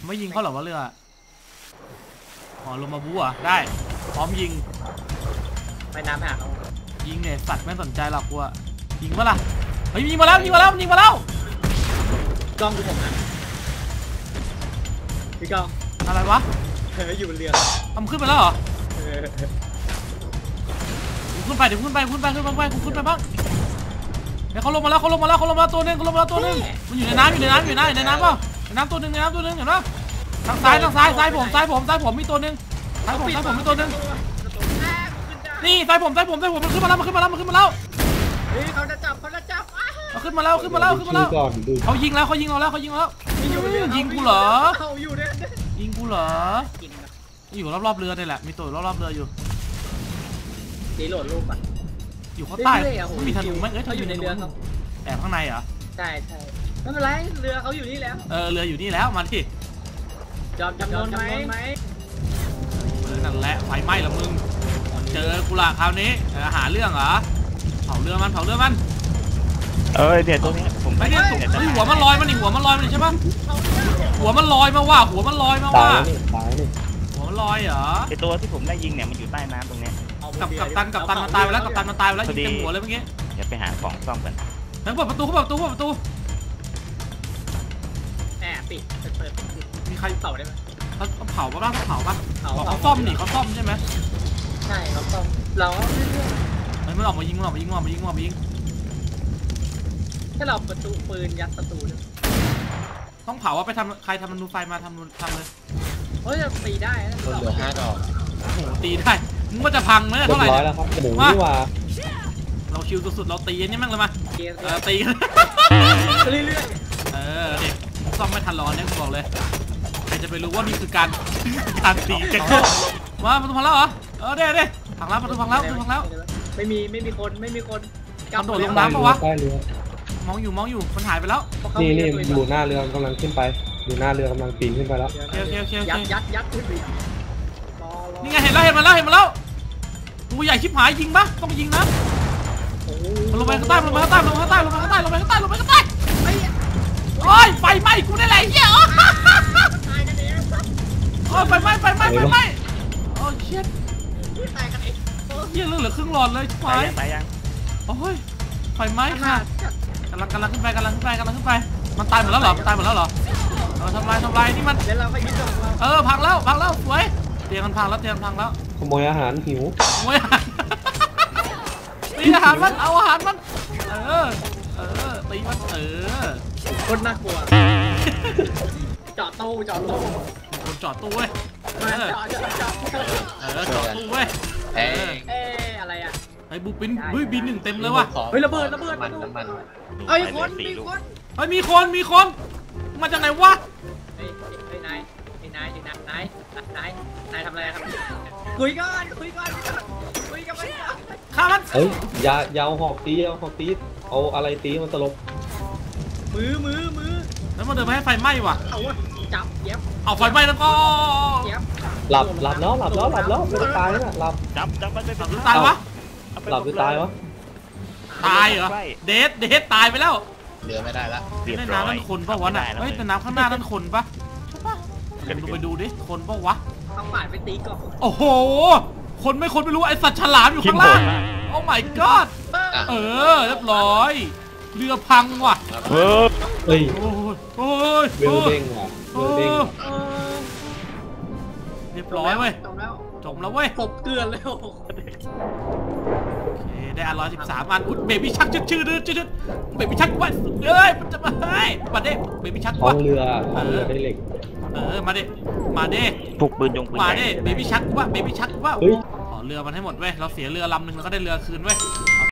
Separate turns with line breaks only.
ไม่ยิงเขาหรอวะเรืออ๋อลงมาบู๊อ่ะได้พร้อมยิง
ไปน้ำไปหาเขา
ยิงเนี่ยสัตว์ไม่สนใจหรอกกูอะยิงปะล่ะเฮ้ยยิงมาแล้วยิงมาแล้วยิงมาแล้ว
กล้องดูผมนะพี่กล้อง
อะไรวะ
อยู่บนเรือ
ทำขึ้นไปแล้วเหรอขึ้นไปเดี๋ยวขึ้นไปกูขึ้นไปบ้างเดี๋ยวเขาลงมาแล้วตัวนึงมันอยู่ในน้ำในน้ำเปล่าในน้ำตัวนึงเห็นปะทางซ้ายผมมีตัวนึงซ้ายผมมีตัวนึงนี่ซ้ายผมมันขึ้นมาแล้ว
เขาจะจับ
ขึ้นมาแล้วเขายิงเราแล้วยิงกูเหรออยู่รอบๆเรือนี่แหละมีตัวรอบๆเรืออยู่
ตีโหลดรูปอ่ะ
อยู่ข้างใต้มีธนูไหมเขาอยู่ในเรือเขาแอบข้างในเหรอ
ใช่ไม่เป็นไรเรือเขาอยู่นี่แล้ว
เรืออยู่นี่แล้วมาที่
จำนวนไหม
นั่นแหละไฟไหม้ละมึงเจอกูละคราวนี้หาเรื่องเหรอเผาเรือมัน
เดี๋ยวตัวนี้ผม
ไม่ได้หัวมันลอยมันใช่ปะหัวมันลอยมาว่าหัวมันลอยเหรอ
ไอตัวที่ผมได้ยิงเนี่ยมันอยู่ใต้น้ำตรงนี้
กับตันมันตายไปแล้วยิงเต็มหัวเลยเมื่อกี้
อย่าไปหาของซ่อมกัน
แล้วเปิดประตู
แอบปิดเปิด
มีใคร
เผาได้ไหม
เขาเผาปะเขาซ่อมนี่เขาซ่อมใช่ไหม
ใช่เขาซ่อมเรา
มันออกมายิง
ถ้าเราประตูปืนยัดประตู
ต้องเผาว่าไปทำใครทำมันดูไฟมาทำเลย
จะตีได้นะ
เหลือ5 ดอก
โอ้โหตีได้มึงว่าจะพังไหมเท่าไหร่
แล้วครับหมูนี่ว่า
เราคิวสุดๆเราตีนี่มั่งเลยมาตี
เรื่อย
ๆเด็กซ่อมไม่ทันร้อนเนี่ยกูบอกเลยใครจะไปรู้ว่านี่คือการตีกันมาประตูพังแล้วเหรอเด้พังแล้วประตูพังแล้ว
ไม่มีคน
กระโดดลงน้ำปะวะมองอยู่มันหายไปแล้ว
นี่อยู่หน้าเรือกำลังขึ้นไปอยู่หน้าเรือกำลังปีนขึ้นไปแล้ว
ยัดขึ้นไป
นี่ไงเห็นมันแล้วตัวใหญ่ชิบหายยิงปะต้องยิงนะลงไปข้างใต้โอ้ยไฟไหม้กูได้ไรเหี้ยโอ้ยไฟไหม้โอ้ยเชี่ย
ตายกันเอง
เหี้ยเหลือครึ่งหลอดเลยชิบหาย
ตายยัง
โอ้ยไฟไหม้ค่ะกำลังขึ้นไปมันตายหมดแล้วเหรอทำลายนี่มัน
เดี๋ยวเราไปยึด
พังแล้วสวยเตียงมันพังแล้ว
ขโมยอาหารหิว
ตีอาหารมันเอาอาหารมันตีมัน
คนน่ากลัวจอดตู้
เว้ย
จอด
ตู้เว้ย
อะไรอ่ะ
ไอ้บูปินบิน1เต็มเลยว่ะ
ระเบิดมัน
มีคนมาจากไหนวะ
นายทำอะไรครับคุยกัน
ฆ่ามัน
ยาวหอกตีเอาอะไรตีมันตลบ
มือ
แล้วมันเดินไปให้ไฟไหม้ว่ะ
จับเย็บ
เอาไฟไหม้แล้วก็
หลับแล้วไม่ได้ตายนะหลับ
จับมันเป็น
ตายวะ
หลับหรือตายวะ
ตายเหรอเดทตายไปแล้ว
เรือไม่ได้ละ
ในน้ำนั่นคนปะวะน่ะแต่น้ำข้างหน้านั่นคนปะไปดูดิคนปะวะ
เอาฝ่ายไปตีก่อน
โอ้โหคนไม่รู้ไอสัตว์ฉลามอยู่ข้างล่างโอ้ my god เรียบร้อยเรือพังว่ะ
เฮ้ย
เรือ
เด้งว่ะ
เรียบร้อยเว้ยจบแล้วเว้ย
กบเกลือนแล้ว
ได้113อันเบบี้ชักชื่อเบบี้ชักว่ามันจะมาเด้เบบี้ชักว่า
เรือได้เหล็ก
มาเด้
ถูกปืน
มาเด้เบบี้ชักว่าขอเรือมันให้หมดเว้ยเราเสียเรือลำนึงแล้วก็ได้เรือคืนเว้ย